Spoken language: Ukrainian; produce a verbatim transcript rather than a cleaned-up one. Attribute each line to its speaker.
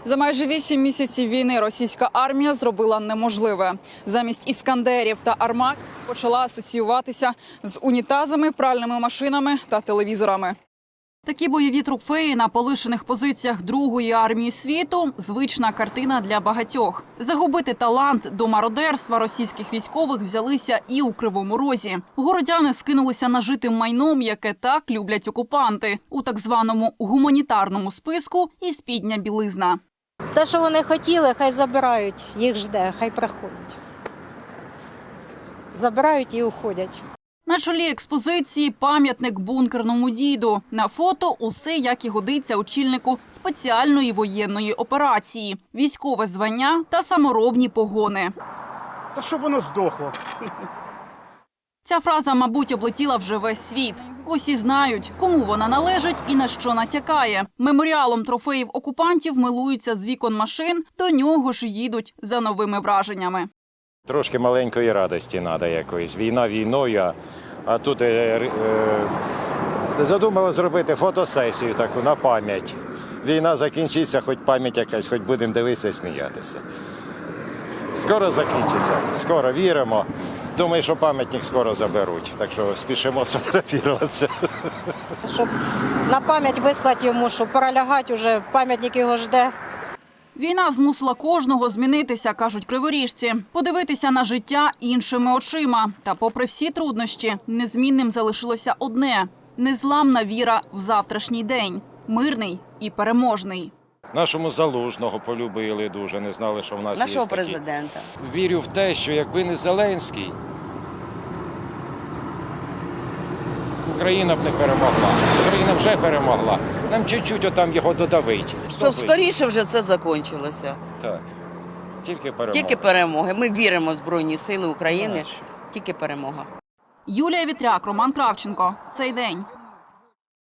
Speaker 1: За майже вісім місяців війни російська армія зробила неможливе. Замість іскандерів та армат почала асоціюватися з унітазами, пральними машинами та телевізорами. Такі бойові трофеї на полишених позиціях Другої армії світу – звична картина для багатьох. Загубити талант до мародерства російських військових взялися і у Кривому Розі. Городяни скинулися нажитим майном, яке так люблять окупанти. У так званому гуманітарному списку і спідня білизна.
Speaker 2: Те, що вони хотіли, хай забирають, їх жде, хай приходять. Забирають і уходять.
Speaker 1: На чолі експозиції пам'ятник бункерному діду. На фото усе, як і годиться очільнику спеціальної воєнної операції. Військове звання та саморобні погони.
Speaker 3: Та щоб воно здохло.
Speaker 1: Ця фраза, мабуть, облетіла вже весь світ. Усі знають, кому вона належить і на що натякає. Меморіалом трофеїв окупантів милуються з вікон машин, до нього ж їдуть за новими враженнями.
Speaker 4: Трошки маленької радості треба якоїсь. Війна війною, а тут е, е, задумали зробити фотосесію таку на пам'ять. Війна закінчиться, хоч пам'ять якась, хоч будемо дивитися і сміятися. Скоро закінчиться, скоро віримо. Думаю, що пам'ятник скоро заберуть, так що спішимо сфотографуватися.
Speaker 2: Щоб на пам'ять вислати йому, щоб перелягати, вже пам'ятник його жде.
Speaker 1: Війна змусила кожного змінитися, кажуть криворіжці. Подивитися на життя іншими очима. Та попри всі труднощі, незмінним залишилося одне – незламна віра в завтрашній день. Мирний і переможний.
Speaker 4: Нашому Залужного полюбили дуже, не знали, що в нас
Speaker 5: Нашого
Speaker 4: є такі.
Speaker 5: президента.
Speaker 4: Вірю в те, що якби не Зеленський, Україна б не перемогла. Україна вже перемогла. Нам чуть-чуть отам його додавить.
Speaker 5: Щоб скоріше вже це закінчилося.
Speaker 4: Так. Тільки перемога.
Speaker 5: Тільки перемоги. Ми віримо в Збройні Сили України. Тільки перемога.
Speaker 1: Юлія Вітряк, Роман Кравченко. Цей день.